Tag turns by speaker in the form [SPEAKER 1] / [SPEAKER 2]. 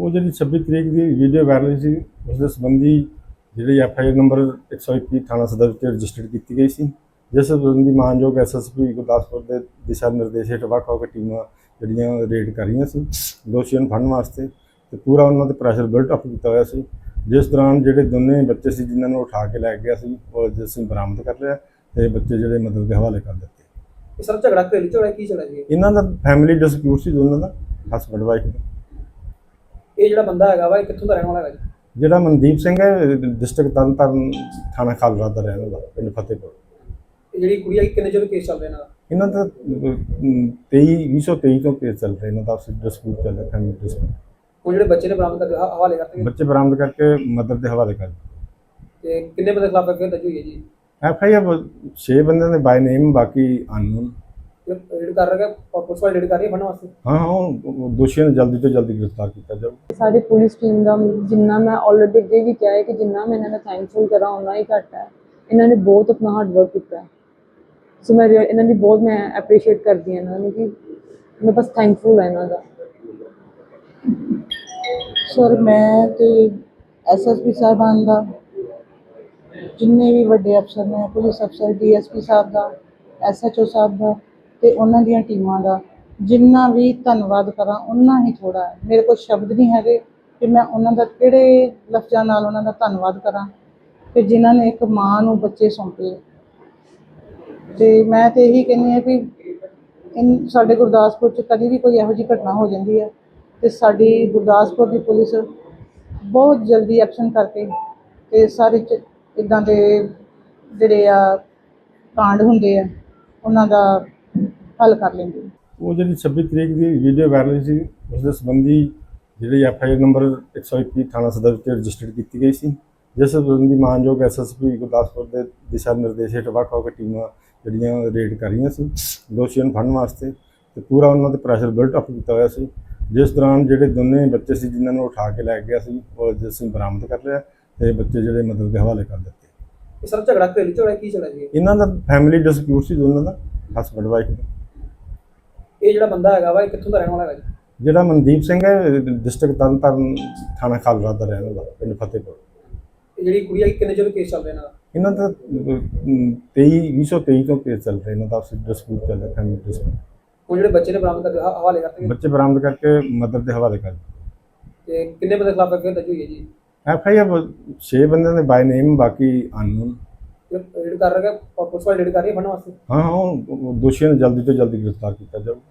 [SPEAKER 1] ਉਹ ਜਿਹੜੀ 26 ਤਰੀਕ ਦੀ ਵੀਡੀਓ ਵਾਇਰਲ ਸੀ ਉਸ ਦੇ ਸੰਬੰਧੀ ਜਿਹੜੀ FIR ਨੰਬਰ 121 ਥਾਣਾ ਸਦਰ ਵਿੱਚ ਰਜਿਸਟਰਡ ਕੀਤੀ ਗਈ ਸੀ, ਜਿਸ ਸੰਬੰਧੀ ਮਾਨਯੋਗ SSP ਗੁਰਦਾਸਪੁਰ ਦੇ ਦਿਸ਼ਾ ਨਿਰਦੇਸ਼ ਹੇਠ ਵੱਖ-ਵੱਖ ਟੀਮਾਂ ਜਿਹੜੀਆਂ ਰੇਡ ਕਰ ਰਹੀਆਂ ਸੀ ਦੋਸ਼ੀਆਂ ਨੂੰ ਫੜਨ ਵਾਸਤੇ, ਤੇ ਪੂਰਾ ਉਹਨਾਂ ਤੇ ਪ੍ਰੈਸ਼ਰ ਬਿਲਟ ਅਪ ਕੀਤਾ ਹੋਇਆ ਸੀ। ਜਿਸ ਦੌਰਾਨ ਜਿਹੜੇ ਦੋਨੇ ਬੱਚੇ ਸੀ ਜਿਨ੍ਹਾਂ ਨੂੰ ਉਠਾ ਕੇ ਲੈ ਗਿਆ ਸੀ ਉਹ ਅੱਜ ਅਸੀਂ ਬਰਾਮਦ ਕਰ ਲਿਆ ਤੇ ਬੱਚੇ ਜਿਹੜੇ ਮਦਦ ਦੇ ਹਵਾਲੇ ਕਰ ਦਿੱਤੇ।
[SPEAKER 2] ਸਰ ਝਗੜਾ ਘਰੇਲੂ ਝਗੜਾ ਕੀ ਝਗੜਾ ਜੀ?
[SPEAKER 1] ਇਹਨਾਂ ਦਾ ਫੈਮਿਲੀ ਡਿਸਪਿਊਟ ਸੀ ਦੋਨਾਂ ਦਾ, ਹਸਬੈਂਡ ਵਾਈਫ ਦਾ।
[SPEAKER 2] ਇਹ ਜਿਹੜਾ ਬੰਦਾ ਹੈਗਾ ਵਾ ਇਹ ਕਿੱਥੋਂ ਦਾ ਰਹਿਣ ਵਾਲਾ ਹੈਗਾ ਜੀ?
[SPEAKER 1] ਜਿਹੜਾ ਮਨਦੀਪ ਸਿੰਘ ਹੈ ਡਿਸਟ੍ਰਿਕਟ ਤਰਨਤਾਰਨ ਥਾਣਾ ਖਾਲੜਾ ਦਾ ਰਹਿਣ ਵਾਲਾ, ਪਿੰਡ ਫਤਿਹਪੁਰ।
[SPEAKER 2] ਇਹ ਜਿਹੜੀ ਕੁੜੀ ਹੈ ਕਿੰਨੇ ਚਿਰ ਕੇਸ ਚੱਲ ਰਿਹਾ ਇਹਨਾਂ ਦਾ?
[SPEAKER 1] ਇਹਨਾਂ ਦਾ 2023 ਤੋਂ ਕੇਸ ਚੱਲ ਰਿਹਾ, ਇਹਨਾਂ ਦਾ ਡਿਸਪਿਊਟ ਚੱਲ ਰਿਹਾ, ਫੈਮਿਲੀ ਡਿਸਪਿਊਟ।
[SPEAKER 2] ਉਹ ਜਿਹੜੇ ਬੱਚੇ ਨੇ ਬਰਾਮਦ ਕਰਕੇ ਹਵਾਲੇ ਕਰਤੇ
[SPEAKER 1] ਬੱਚੇ ਬਰਾਮਦ ਕਰਕੇ ਮਦਰ ਦੇ ਹਵਾਲੇ ਕਰ ਦਿੱਤੇ।
[SPEAKER 2] ਤੇ ਕਿੰਨੇ ਬੰਦੇ ਖਿਲਾਫ FIR ਦਰਜ ਹੋਈ ਹੈ ਜੀ?
[SPEAKER 1] FIR 6 ਬੰਦਿਆਂ ਦੇ ਬਾਈ ਨੇਮ, ਬਾਕੀ ਅਨਨੋਨ।
[SPEAKER 2] ਰੇਡ ਕਰ ਰਿਹਾ ਹੈ, ਪੁਲਿਸ ਵਾਲੇ ਰੇਡ ਕਰ ਰਹੀ ਹੈ ਫੜਨ ਵਾਸਤੇ।
[SPEAKER 1] ਹਾਂ ਉਹ ਦੋਸ਼ੀਆਂ ਨੂੰ ਜਲਦੀ ਤੋਂ ਜਲਦੀ ਗ੍ਰਿਫਤਾਰ ਕੀਤਾ ਜਾਊ।
[SPEAKER 3] ਸਾਡੀ ਪੁਲਿਸ ਟੀਮ ਦਾ ਜਿੰਨਾ ਮੈਂ ਆਲਰੇਡੀ ਅੱਗੇ ਵੀ ਕਿਹਾ ਹੈ ਕਿ ਜਿੰਨਾ ਮੈਂ ਇਹਨਾਂ ਦਾ ਥੈਂਕਫੁਲ ਕਰਾਂ ਉਹਨਾਂ ਹੀ ਘੱਟ ਹੈ। ਇਹਨਾਂ ਨੇ ਬਹੁਤ ਆਪਣਾ ਹਾਰਡ ਵਰਕ ਕੀਤਾ ਹੈ, ਸੋ ਮੈਂ ਇਹਨਾਂ ਦੀ ਬਹੁਤ ਮੈਂ ਐਪਰੀਸ਼ੀਏਟ ਕਰਦੀ ਹਾਂ ਇਹਨਾਂ ਨੂੰ, ਕਿ ਮੈਂ ਬਸ ਥੈਂਕਫੁਲ ਹਾਂ ਇਹਨਾਂ ਦਾ।
[SPEAKER 4] ਸਰ ਮੈਂ ਤੇ SSP ਸਾਹਿਬਾਨ ਦਾ, ਜਿੰਨੇ ਵੀ ਵੱਡੇ ਅਫਸਰ ਨੇ, ਪੁਲਿਸ ਅਫਸਰ, DSP ਸਾਹਿਬ ਦਾ, SHO ਸਾਹਿਬ ਦਾ ਤੇ ਉਹਨਾਂ ਦੀਆਂ ਟੀਮਾਂ ਦਾ ਜਿੰਨਾ ਵੀ ਧੰਨਵਾਦ ਕਰਾਂ ਓਨਾ ਹੀ ਥੋੜ੍ਹਾ ਹੈ। ਮੇਰੇ ਕੋਲ ਸ਼ਬਦ ਨਹੀਂ ਹੈਗੇ ਕਿ ਮੈਂ ਉਹਨਾਂ ਦਾ ਕਿਹੜੇ ਲਫ਼ਜ਼ਾਂ ਨਾਲ ਉਹਨਾਂ ਦਾ ਧੰਨਵਾਦ ਕਰਾਂ ਕਿ ਜਿਨ੍ਹਾਂ ਨੇ ਇੱਕ ਮਾਂ ਨੂੰ ਬੱਚੇ ਸੌਂਪੇ। ਤੇ ਮੈਂ ਤੇ ਇਹੀ ਕਹਿੰਦੀ ਹਾਂ ਵੀ ਸਾਡੇ ਗੁਰਦਾਸਪੁਰ 'ਚ ਕਦੀ ਵੀ ਕੋਈ ਇਹੋ ਜਿਹੀ ਘਟਨਾ ਹੋ ਜਾਂਦੀ ਹੈ ਤੇ ਸਾਡੀ ਗੁਰਦਾਸਪੁਰ ਦੀ ਪੁਲਿਸ ਬਹੁਤ ਜਲਦੀ ਐਕਸ਼ਨ ਕਰਕੇ ਤੇ ਸਾਰੇ ਇੱਦਾਂ ਦੇ ਜਿਹੜੇ ਆ ਕਾਂਡ ਹੁੰਦੇ ਆ ਉਹਨਾਂ ਦਾ ਹੱਲ ਕਰ ਲੈਂਦੇ।
[SPEAKER 1] ਉਹ ਜਿਹੜੀ 26 ਤਰੀਕ ਦੀ ਵੀਡੀਓ ਵਾਇਰਲ ਸੀ ਉਸ ਦੇ ਸੰਬੰਧੀ ਜਿਹੜੀ FIR ਨੰਬਰ 121 ਥਾਣਾ ਸਦਰ ਵਿੱਚ ਰਜਿਸਟਰਡ ਕੀਤੀ ਗਈ ਸੀ, ਜਿਸ ਸੰਬੰਧੀ ਮਾਨਯੋਗ SSP ਗੁਰਦਾਸਪੁਰ ਦੇ ਦਿਸ਼ਾ ਨਿਰਦੇਸ਼ ਹੇਠ ਵੱਖ-ਵੱਖ ਟੀਮਾਂ ਜਿਹੜੀਆਂ ਰੇਡ ਕਰ ਰਹੀਆਂ ਸੀ ਦੋਸ਼ੀਆਂ ਨੂੰ ਫੜਨ ਵਾਸਤੇ, ਤੇ ਪੂਰਾ ਉਹਨਾਂ ਤੇ ਪ੍ਰੈਸ਼ਰ ਬਿਲਟ ਅਪ ਕੀਤਾ ਹੋਇਆ ਸੀ। ਜਿਸ ਦੌਰਾਨ ਜਿਹੜੇ ਦੋਨੇ ਬੱਚੇ ਸੀ ਜਿਨ੍ਹਾਂ ਨੂੰ ਉਠਾ ਕੇ ਲੈ ਗਿਆ ਸੀ ਉਹ ਅੱਜ ਅਸੀਂ ਬਰਾਮਦ ਕਰ ਲਿਆ ਤੇ ਬੱਚੇ ਜਿਹੜੇ ਮਦਦ ਦੇ ਹਵਾਲੇ ਕਰ ਦਿੱਤੇ।
[SPEAKER 2] ਸਰ ਝਗੜਾ ਘਰੇਲੂ ਝਗੜਾ ਕੀ ਝਗੜਾ ਜੀ?
[SPEAKER 1] ਇਹਨਾਂ ਦਾ ਫੈਮਿਲੀ ਡਿਸਪਿਊਟ ਸੀ ਦੋਨਾਂ ਦਾ, ਹਸਬੈਂਡ ਵਾਈਫ ਦਾ।
[SPEAKER 2] ਇਹ ਜਿਹੜਾ ਬੰਦਾ ਹੈਗਾ ਵਾ ਇਹ ਕਿੱਥੋਂ ਦਾ ਰਹਿਣ ਵਾਲਾ ਹੈਗਾ ਜੀ?
[SPEAKER 1] ਜਿਹੜਾ ਮਨਦੀਪ ਸਿੰਘ ਹੈ ਡਿਸਟ੍ਰਿਕਟ ਤਰਨਤਾਰਨ ਥਾਣਾ ਖਾਲੜਾ ਦਾ ਰਹਿਣ ਵਾਲਾ, ਪਿੰਡ ਫਤਿਹਪੁਰ।
[SPEAKER 2] ਇਹ ਜਿਹੜੀ ਕੁੜੀ ਹੈ ਕਿੰਨੇ ਚਿਰ ਕੇਸ ਚੱਲ ਰਿਹਾ ਇਹਨਾਂ ਦਾ?
[SPEAKER 1] ਇਹਨਾਂ ਦਾ 2023 ਤੋਂ ਕੇਸ ਚੱਲ ਰਿਹਾ, ਇਹਨਾਂ ਦਾ ਡਿਸਪਿਊਟ ਚੱਲ ਰਿਹਾ, ਫੈਮਿਲੀ ਡਿਸਪਿਊਟ।
[SPEAKER 2] ਉਹ ਜਿਹੜੇ ਬੱਚੇ ਨੇ ਬਰਾਮਦ ਕਰਕੇ ਹਵਾਲੇ ਕਰਤੇ
[SPEAKER 1] ਬੱਚੇ ਬਰਾਮਦ ਕਰਕੇ ਮਦਰ ਦੇ ਹਵਾਲੇ ਕਰ ਦਿੱਤੇ।
[SPEAKER 2] ਤੇ ਕਿੰਨੇ ਬੰਦੇ ਖਿਲਾਫ FIR ਦਰਜ ਹੋਈ ਹੈ ਜੀ?
[SPEAKER 1] FIR 6 ਬੰਦਿਆਂ ਦੇ ਬਾਈ ਨੇਮ, ਬਾਕੀ ਅਨਨੋਨ।
[SPEAKER 2] ਰੇਡ ਕਰ ਰਿਹਾ ਹੈ, ਪੁਲਿਸ ਵਾਲੇ ਰੇਡ ਕਰ ਰਹੀ ਹੈ ਫੜਨ ਵਾਸਤੇ।
[SPEAKER 1] ਹਾਂ ਉਹ ਦੋਸ਼ੀਆਂ ਨੂੰ ਜਲਦੀ ਤੋਂ ਜਲਦੀ ਗ੍ਰਿਫਤਾਰ ਕੀਤਾ ਜਾਊ।